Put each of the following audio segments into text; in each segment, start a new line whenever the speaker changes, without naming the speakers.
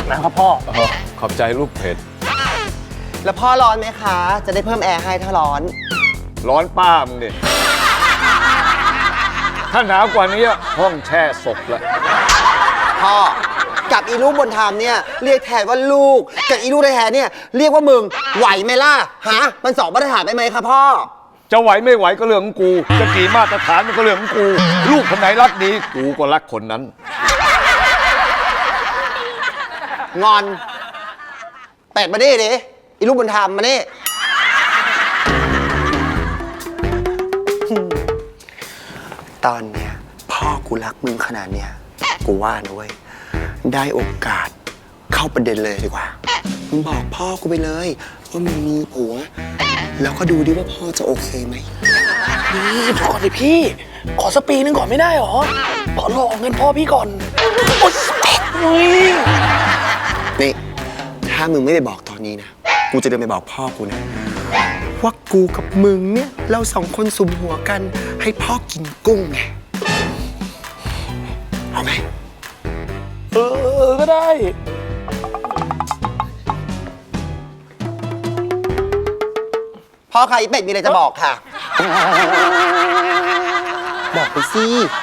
นะครับพ่อ
ขอบใจลูกเพชร
แล้วพ่อร้อนไหมคะ จะได้เพิ่มแอร์ให้ถ้าร้อน
ร้อนป้ามึงดิถ้าหนาวกว่านี้ห้องแช่ศพละ
พ่อกับอีลูกบนธรรมเนี่ยเรียกแทนว่าลูกกับอีลูกแท้ๆเนี่ยเรียกว่ามึงไหวไหมล่ะฮะมันสองมาตรฐานได้ไหมครับพ่อ
จะไหวไม่ไหวก็เรื่องของกูจะกี่มาตรฐานมันก็เรื่องของกูลูกคนไหนรักดีกูก็รักคนนั้น
งอนเป็ดมาดิอีลูกบนธรรมมาดิตอนเนี้ยพ่อกูรักมึงขนาดเนี้ยกูว่านะเว้ยได้โอกาสเข้าประเด็นเลยดีกว่ามึงบอกพ่อกูไปเลยว่ามึงมีผัวแล้วก็ดูดิว่าพ่อจะโอเคไหม
นี่พอก่อนเลยพี่ขอสักปีนึงก่อนไม่ได้หรอขอรอเงินพ่อพี่ก่อนโอ๊ย
นี่ถ้ามึงไม่ไปบอกตอนนี้นะกูจะเดินไปบอกพ่อกูนะว่ากูกับมึงเนี่ยเราสองคนสุมหัวกันให้พ่อกินกุ้งไงเอาไหม
ก็ได้
พ่อค่ะอีเป็ดมีอะไรจะบอกค่ะบอกไปสิ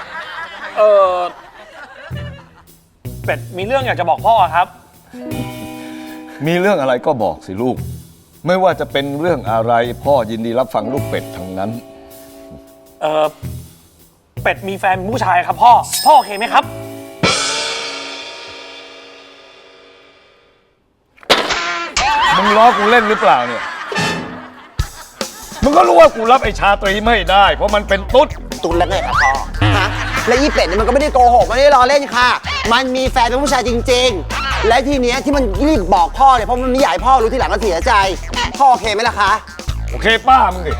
เป็ดมีเรื่องอยากจะบอกพ่อครับ
มีเรื่องอะไรก็บอกสิลูกไม่ว่าจะเป็นเรื่องอะไรพ่อยินดีรับฟังลูกเป็ดทั้งนั้น
เป็ดมีแฟนเป็นผู้ชายครับพ่อโอเคไหมครับ
มึงล้อกูเล่นหรือเปล่าเนี่ยมึงก็รู้ว่ากูรับไอ้ชาตรีไม่ได้เพราะมันเป็นตุ๊ด
แล้วไงครับพ่อฮะและอีเป็ดเนี่ยมันก็ไม่ได้โกหกไม่ได้ล้อเล่นค่ะมันมีแฟนเป็นผู้ชายจริงๆและทีเนี้ยที่มันรีบบอกพ่อเนี่ยเพราะมันไม่อยากให้พ่อรู้ทีหลังก็เสียใจพ่อโอเคไหมล่ะคะ
โอเคป้ามึงดิ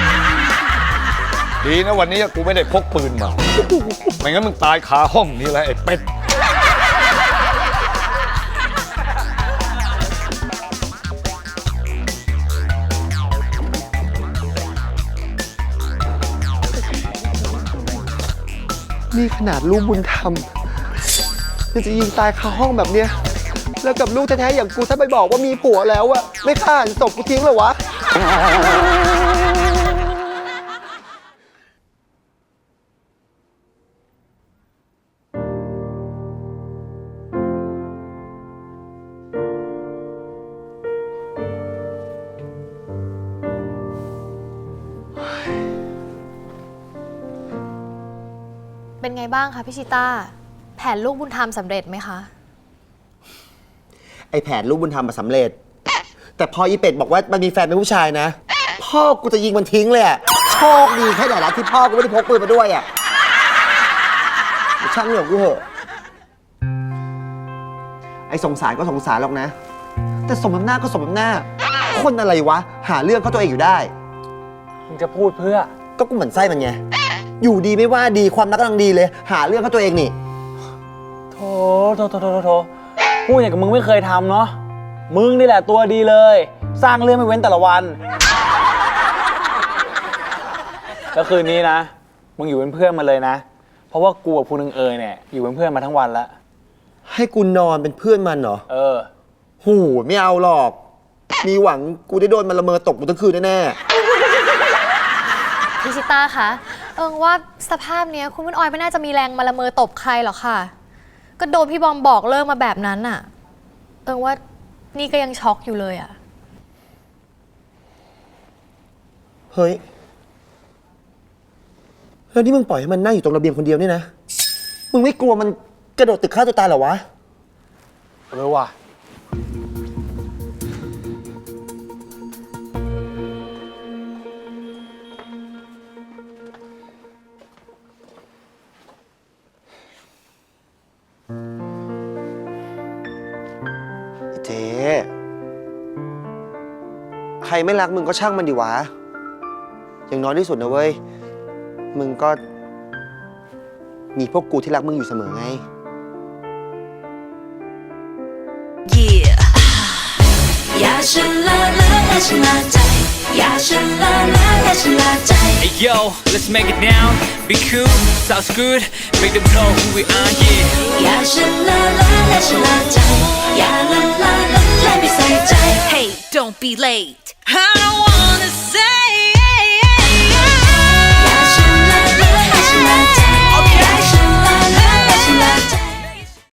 ดีนะวันนี้กูไม่ได้พกปืนมาไม่งั้นมึงตายคาห้องนี้แหละไอ้เป็ด
นี่ขนาดลูกบุญธรรมยังจะยิงตายคาห้องแบบเนี้ยแล้วกับลูกแท้ๆอย่างกูถ้าไปบอกว่ามีผัวแล้วอะไม่ฆ่าหันศพกูทิ้งเหรอวะ
เป็นไงบ้างคะพี่ชิต้าแผนลูกบุญธรรมสำเร็จไหมคะ
ไอแผนลูกบุญธรรมมาสำเร็จแต่พออีเป็ดบอกว่ามันมีแฟนเป็นผู้ชายนะพ่อกูจะยิงมันทิ้งเลยอะโชคดีแค่ไหนล่ะที่พ่อกูไม่ได้พกปืนมาด้วยอะช่างเรื่องกูเหอะไอสงสารก็สงสารหรอกนะแต่สมน้ำหน้าก็สมน้ำหน้าคนอะไรวะหาเรื่องเขาตัวเองอยู่ได้
มึงจะพูดเพื่อ
ก็กูเหมือนไส้มันไงอยู่ดีไม่ว่าดีความรักกำลังดีเลยหาเรื่องเขาตัวเองนี่
โถพูดอย่างกับมึงไม่เคยทำเนาะมึงนี่แหละตัวดีเลยสร้างเรื่องไม่เว้นแต่ละวันแล้วคืนนี้นะมึงอยู่เป็นเพื่อนมาเลยนะเพราะว่ากูกับภูนึงเอยเนี่ยอยู่เป็นเพื่อนมาทั้งวันแล้ว
ให้กูนอนเป็นเพื่อนมันเหรอหูไม่เอาหรอกมีหวังกูได้โดนมันละเมอตกกูทั้งคืนแน่
พี่ชิต้าคะว่าสภาพเนี้ยคุณพุ่นออยไม่น่าจะมีแรงมาละเมอตบใครหรอกค่ะก็โดนพี่บอมบอกเลิกมาแบบนั้นน่ะว่านี่ก็ยังช็อกอยู่เลยอะ
เฮ้ยแล้วนี่มึงปล่อยให้มันนั่งอยู่ตรงระเบียงคนเดียวเนี่ยนะมึงไม่กลัวมันกระโดดตึกฆ่าตัวตายเหรอวะ
ว่ะ
เจ๊ใครไม่รักมึงก็ช่างมันดิวะอย่างน้อยที่สุดนะเว้ยมึงก็มีพวกกูที่รักมึงอยู่เสมอไง อย่าฉันละและฉันละใจอย่าฉันละและฉันละใจ Hey yo let's make it now be cool sounds good make them know who we are yeah อย่าฉันละและฉันละใจอย่า
don't be late. I don't